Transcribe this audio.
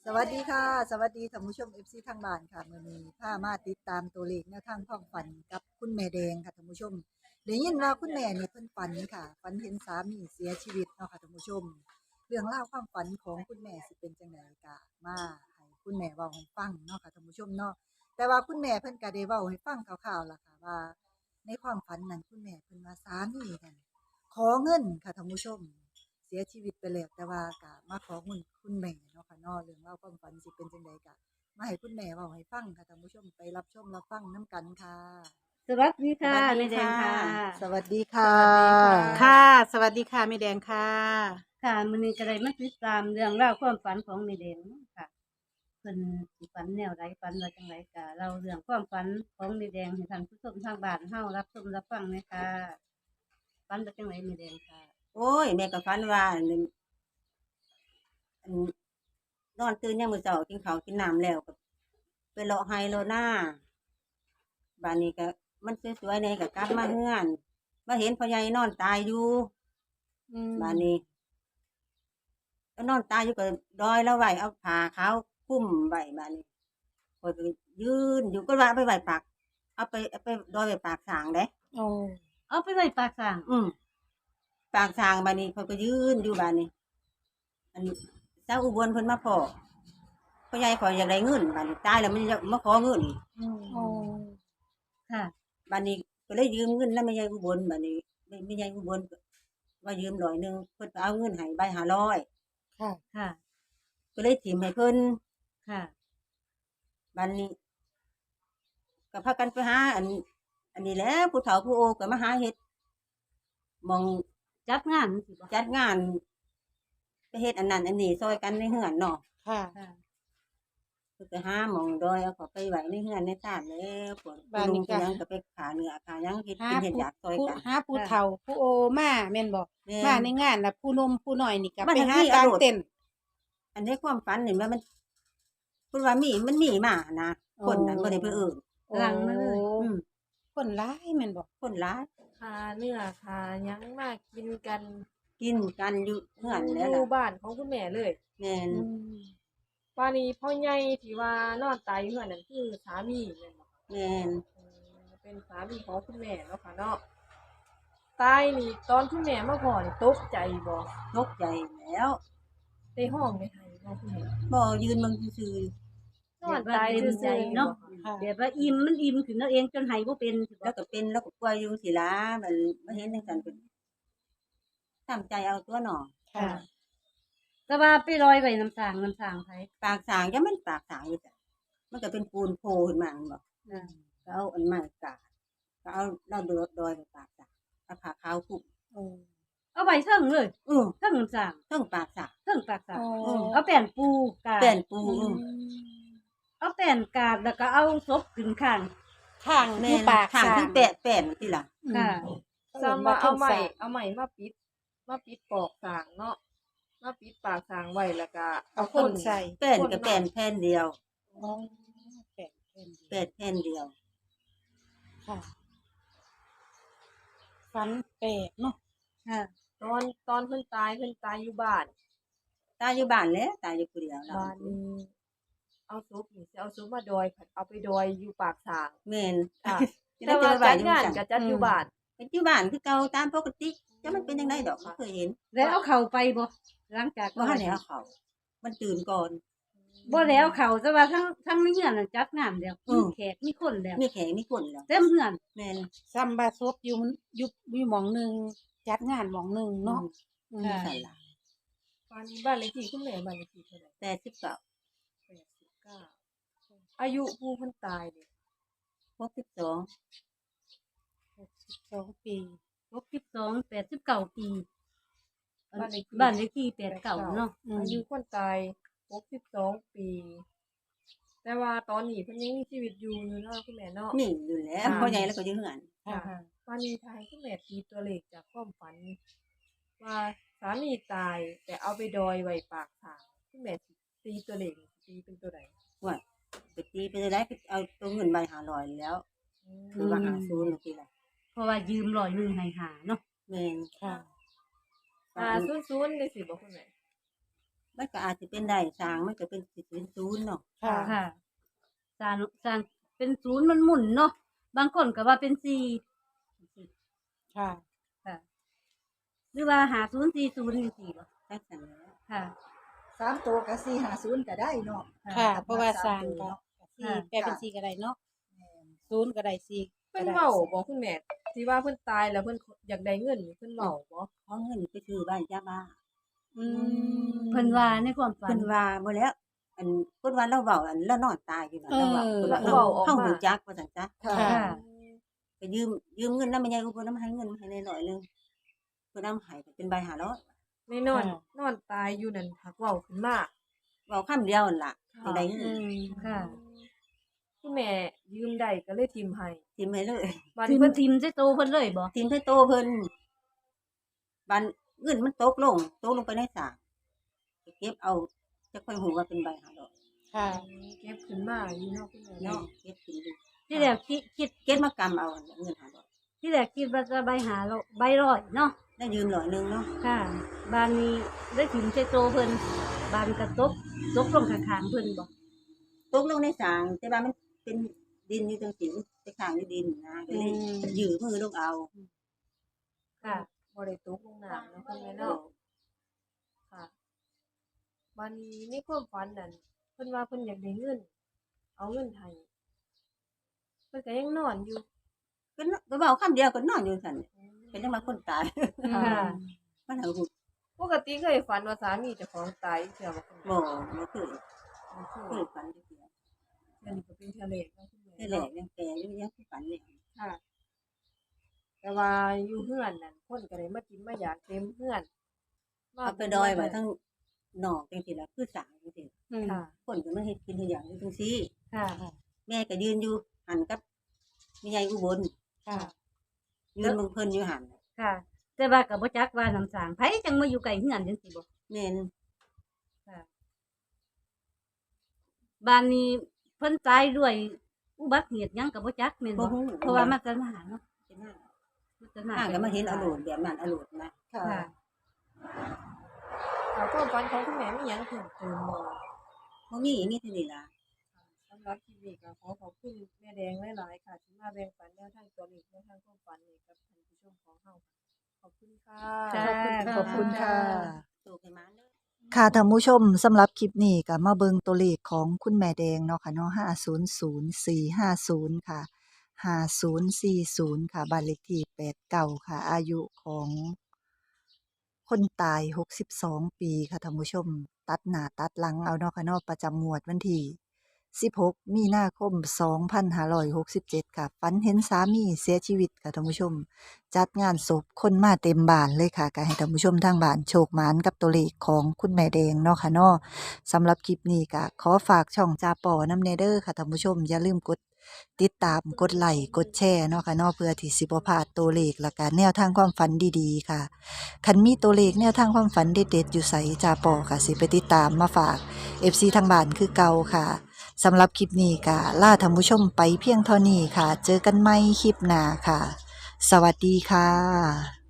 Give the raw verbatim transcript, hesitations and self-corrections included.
สวัสดีค่ะสวัสดีท่านผู้ชม เอฟ ซี ทางบ้านค่ะมื้อนี้พามาติดตามตัวเลขแนวทางความฝันกับคุณแม่แดงค่ะท่านผู้ชมได้ยินว่าคุณแม่นี่เพิ่นฝันค่ะฝันเห็นสามีเสียชีวิตเนาะค่ะท่านผู้ชมเรื่องราวความฝันของคุณแม่สิเป็นจังไดก็มาให้คุณแม่เว้าให้ฟังเนาะค่ะท่านผู้ชมเนาะแต่ว่าคุณแม่เพิ่นก็ได้เว้าให้ฟังคร่าวๆล่ะค่ะว่าในความฝันนั้นคุณแม่เพิ่นว่าสามีนั่นขอเงินค่ะท่านผู้ชม เสียชีวิตไปแล้วแต่ว่าก็มาขอเงินคุณแม่เนาะค่ะเนาะเรื่องเล่าวความฝันสิเป็นจังไดก็มาให้คุณแม่เว้าให้ฟังค่ะท่านผู้ชมไปรับชมรับฟังนํกันค่ะสวัสดีสวัสดีค่ะแม่แดงค่ะค่ะสวัสดีค่ะสวัสดีค่ะค่ะสวัสดีค่ะแม่แดงค่ะค่ะมื้อนี้ก็ได้มาติดตามเรื่องราวความฝันของแม่แดงค่ะเพิ่นสิฝันแนวใดฝันว่าจังไดก็เล่าเรื่องความฝันของแม่แดงให้ท่านผู้ชมทางบ้านเฮารับชมรับฟังเลยค่ะฝันว่าจังไดแม่แดงค่ะโอ้ยแม่ก็ฝันว่าอันนี้อันนอนตื่นยามมื้อเช้ากินข้าวกินน้ำแล้วก็ไปเลาะไร่เลาะนาบ้านนี้ก็มันสวยๆแหน่ก็กลับมาเฮือนมาเห็นพ่อใหญ่นอนตายอยู่บ้านนี้ก็นอนตายอยู่ก็ดอยแล้วไว้เอาผ้าขาวคลุมไว้บ้านนี้ข้อยก็ยืนอยู่ก็ว่าเอาไปไว้ปากเอาไปเอาไปดอยไว้ปากสางเด้โอ้เอาไปไว้ปากสร้างอืมปากทางบ้านนี้เขาก็ยืนอยู่บ้านนี้อันเจ้าอุบลเพิ่นมาพ้อพ่อใหญ่ขอยอยากได้เงินบ้านนี้ตายแล้วมันจะมาขอเงินอีกโอ้ค่ะบ้านนี้ก็เลยยืมเงินแล้วแม่ใหญ่อุบลบ้านนี้แม่แม่ใหญ่อุบลก็ว่ายืมร้อยหนึงเพิ่นก็เอาเงินให้ใบห้าร้อยค่ะค่ะก็เลยถิมให้เพิ่นค่ะบ้านนี้ก็พากันไปหาอัน อันนี้แหล้วผู้เฒ่าผู้โอก็มาหาเฮ็ดหม่องจัดงานสิบ่จัดงานไปเฮ็ดอันนั้นอันนี้ซอยกันในเฮือนเนาะค่ะค่ะเพิ่นไปหาหม้องดอยเอาเขาไปไว้ในเฮือนในศาลแล้วพวกบ้านลุนี้งก็ผู้หยังก็ไปขาเนื้อขาหยังเฮ็ดหากินเฮ็ดผู้อยากซอยผู้กันหาผู้เฒ่าผู้โอมาแม่นบ่แม่มาในงานน่ะผู้หนมผู้น้อยนี่ก็มาไปทางหานี้กลางเอาโลดเต็นท์อันในความฝันนี่ว่ามันเพิ่นว่ามีมันมีมานะคนนั้นบ่ได้ไปเอิ้นหลังมาเลยอืมคนร้ายแม่นบ่คนหลายคาเนื้อคาหยังมากินกันกินกันอยู่เฮือนแล้วหล่ะมู่บ้านของคุณแม่เลยแม่นอืมป่านนี้พ่อใหญ่ที่ว่านอนตายอยู่เฮือนนั่นคือสามีแม่นบ่แม่นอืมเป็นสามีของคุณแม่เนาะค่ะเนาะตายนี่ตอนคุณแม่มาพ้อนี่ตกใจบ่ตกใจแล้วได้ห้องได้ไห้บ่คุณแม่บ่ยืนเบิ่งซื่อนอนตายซื่อๆเนาะค่ะแบบว่าอิ่มมันอิ่มขึ้นแล้วเองจนไหบ่เป็นสิๆบ่แล้วก็เป็นแล้วก็ป่วยอยู่สิล่ะมันมาเห็นจังซั่นเพิ่นตั้งใจเอาตัวเนาะค่ะแต่ว่าไปลอยไว้น้ำสางน้ำสางไผปากสางยังมันปากสางอยู่จ้ะมันก็เป็นปูนโผล่ขึ้นมาแม่นบ่อ่าก็เอาอันไม้กาดก็เอาเราดอยดอยไปปากสางเอาผ้าขาวคลุมโอ้เอาไว้เทิงเลยอือเทิงน้ำสางเทั้งปากสางเทิงปากสางโอ้เอาแป้นปูกาดเปลี่ยนปูอือือมเอาแป้นกาดแล้วก็เอาศพขึ้นข้างข้างแม่ผู้นปากข้างสร้ที่แปะแป้นที่ล่ะอืมค่ะซ้ำว่าเอาใหม่เทิงสร้งเอาใหม่มาปิดมาปิดปอกสางเนาะมาปิดปากสางไว้แล้วก็เอาคนใส่แป้นก็แป้นแผ่นเดียวอ๋อแปดเพิ่นแป้นแผ่นเดียวค่ะฝันแปลกเนาะค่ะตอนตอนเพิ่นตายเพิ่นตายอยู่บ้านตายอยู่บ้านแหล้วตายอยู่ผู้เดียวเราบ้านนี้เอาซุปนี่สิเอาซุปมาดอยผัดเอาไปดอยอยู่ปากสางแม่นค่ะจะแต่ได้ว่าเจอไว้จัดงานจังซั่นก็จัดอยู่บ้านเป็นอยู่บ้านคือเก่าตามปกติจะมันเป็นจังไดดอกบ่เคยเห็นแล้วเอาเข่าไปบ่หลังจากบ่ทันได้เอาเข้ามันตื่นก่อนบ่แล้วเข่าแต่ว่าทั้งทั้งในเฮือนน่ะจัดงานแล้วอืมีมแขกมีคนแล้วมีแขกมีคนแล้วเต็มเฮือนแม่นซัมบาซบอยู่อยู่อยู่หม่องหนึงจัดงานหม่องหนึงเนาะอืมอืมสั่นล่ะบ้านนี้บ้านเลขที่คุณแม่บ้านเลขที่เท่าไหร่แปดสิบเก้าแปดสิบเก้าอายุผู้เพิ่นตายเนี่ยหกสิบสองหกสิบสองปีหกสิบสอง แปดสิบเก้าปีอันบ้านเลขที่บ้านเลขที่แปดเก้าเนาะอืมอายุคนตายหกสิบสองปี แต่ว่าตอนนี้เพิ่นยังมีชีวิตอยู่อยู่เนาะคุณแม่เนาะมีอยู่แล้วอ่าพ่อใหญ่แล้วก็อยู่เฮือนค่ะค่ะวันนี้ทายคุณแม่ตีตัวเลขจากความฝัน ว่าสามีตาย แต่เอาไปดอยไว้ปากทางคุณแม่สิตีตัวเลขนี่สิตีเป็นตัวใดว่าไปตีไปได้ก็เอาตัวเงินใบห้าร้อยแล้วอืมคือว่าหาศูนย์จังซี่ล่ะเพราะว่ายืมร้อยหนึงให้หาเนาะแม่นค่ะอ่าศูนย์ศูนย์ได้สิบอกคุณแม่ใบมันก็อาจจะเป็นได้สร้างมันก็เป็นสิเป็นศูนย์เนาะค่ะค่ะสารสารเป็นศูนย์มันหมุนเนาะบางคนก็ว่าเป็นสี่ค่ะค่ะ หรือว่าหาศูนย์สี่ศูนย์จังซี่บ่จักซั่นแหล้วค่ะสามตัวกับสี่ห้าศูนย์ก็ได้เนาะค่ะกับเพราะว่าสสร้างตัวก็เนาะสี่แปลเป็นสี่ก็ได้เนาะแม่นศูนย์ก็ได้สี่เพิ่ก็นได้เว้าบ่คุณแม่ที่ว่าเพิ่นตายแล้วเพิ่นอยากได้เงินนี่เพิ่นเว้าบ่ขอเงินไปซื้อบ้านจ้าบ้าอืมเพิ่นว่าในความฝันเพิ่นว่าบ่แล้ว อันเพิ่นว่าเราเว้าอันเรานอนตายอยู่น่ะเออเราเว้าเพิ่นว่าเว้าออกเฮามาฮู้จักว่าซั่นจ้ะค่ะค่ะไปยืมยืมเงินนำแม่ใหญ่อุบลนำให้เงินมาให้หน่อยๆนึงเพิ่นนำให้ก็เป็นใบห้าร้อยในนอนค่ะนอนตายอยู่นั่นหักเว้าขึ้นมาเว้าคำเดียวนั่นล่ะค่ะจังได้เงิอืนมค่ะคุณแม่ยืมได้ก็เลยทิมให้ทิมให้เลยบัดทินี้มเพิ่นทิมใส่โตเพิ่นเลยบ่ทิมให้โตเพิ่นบันเงินมันตกลงตกลงไปในสระไปเก็บเอาจะค่อยฮู้ว่าเป็นใบห้าร้อยค่ะเก็บขึ้นมาอยู่เนาะคุณแม่เนาะเนาะเก็บกินดูที่แรกคิดคิดเก็บมากำเอาอันเงินห้าร้อยที่แรกคิดว่าจะใบหาเราใบร้อยเนาะได้ยืมร้อยหนึงเนาะค่ะบานนี้ได้ถิ่มใส่โตเพิ่นบานกระตกตกลงข้างๆเพิ่นบ่ตกลงในสางแต่ว่ามันเป็นดินอยู่จังซี่ไปข้างอยู่ดินนะก็เลยอืมยืมมือลงเอาค่ะบ่ได้ตกลงน้ำเนาะคุณแม่เนาะค่ะบัดนี้ในความฝันนั่นเพิ่นว่าเพิ่นอยากได้เงิน เอาเงินให้เพิ่นก็ยังนอนอยู่ก็นก็เว้าคำเดียวก็นอนอยู่ซั่นเป็นจังว่าคนตายค่ะมันเอาหูปกติเคยฝันว่าสามีเจ้าของตายเทื่อบ่คุณแม่บ่บ่เคยบ่เคเคยยฝันจักเทื่อเทื่อนี้ก็เป็นเทื่อแรกเนาะคุณแม่แต่แรกยังแก่อยู่ยังฝันเนี่ยค่ะ แต่ว่าอยู่เฮือนนั่นคนก็ได้มากินมาอยากเต็มเฮือนเอาไปดอยไว้ทั้งนอกจังซี่ล่ะคือสางจังซี่อืมค่ะคนก็มาเฮ็ดกินทุกอย่างอยู่จังซี่ค่ะแม่ก็ยืนอยู่หันกับแม่ใหญ่อุบลค่ะยืนเบิ่งเพิ่นอยู่หันค่ะ แต่ว่าก็บ่จักว่าน้ำสางไผจังมาอยู่ใกล้เฮือนจังซี่บ่แม่นค่ะบ้านนี้เพิ่นตายด้วยอุบัติเหตุหยังก็บ่จักแม่นบ่บ่ฮู้เพราะว่ามาจะมาเนาะเป็นหน้ามาจะมาอ่าก็มาเห็นเอาโหลดแบบนั้นเอาโหลดนะค่ะค่ะค่ะความฝันของคุณแม่มีหยังเพิ่มเติมบ่บ่มีมีเท่านี้ล่ะสำหรับคลิปนี้ก็ขอขอบคุณแม่แดงหลายๆค่ะที่มาแบ่งปันแนวทางตัวเลขแนวทางความฝันให้กับท่านผู้ชมของเฮาขอบคุณค่ะจ้าขอบคุณค่ะโตขึ้นมาเด้อค่ะท่านผู้ชมสำหรับคลิปนี้ก็มาเบิ่งตัวเลขของคุณแม่แดงเนาะค่ะเนาะห้า ศูนย์ ศูนย์ สี่ ห้า ศูนย์ ค่ะห้า ศูนย์ สี่ ศูนย์ ค่ะบ้านเลขที่แปดสิบเก้าค่ะ อายุของคนตายหกสิบสองปีค่ะท่านผู้ชม ตัดหน้าตัดหลังเอาเนาะค่ะเนาะประจำงวดวันที่สิบหกมีนาคมสองพันห้าร้อยหกสิบเจ็ดค่ะฝันเห็นสามีเสียชีวิตค่ะท่านผู้ชม จัดงานศพคนมาเต็มบ้านเลยค่ะก็ให้ท่านผู้ชมทางบ้านโชคหมานกับตัวเลขของคุณแม่แดงเนาะค่ะเนาะสำหรับคลิปนี้ก็ขอฝากช่องจาปอน้ำเนเดอร์ค่ะท่านผู้ชมอย่าลืมกดติดตามกดไลค์กดแชร์เนาะค่ะเนาะเพื่อที่สิบ่พลาดตัวเลขและการแนวทางความฝันดีๆค่ะคันมีตัวเลขแนวทางความฝันเด็ดๆอยู่ไสจาปอค่ะสิไปติดตามมาฝาก เอฟ ซี ทางบ้านคือเก่าค่ะสำหรับคลิปนี้ก็ลาท่านผู้ชมไปเพียงเท่านี้ค่ะ เจอกันใหม่คลิปหน้าค่ะ สวัสดีค่ะ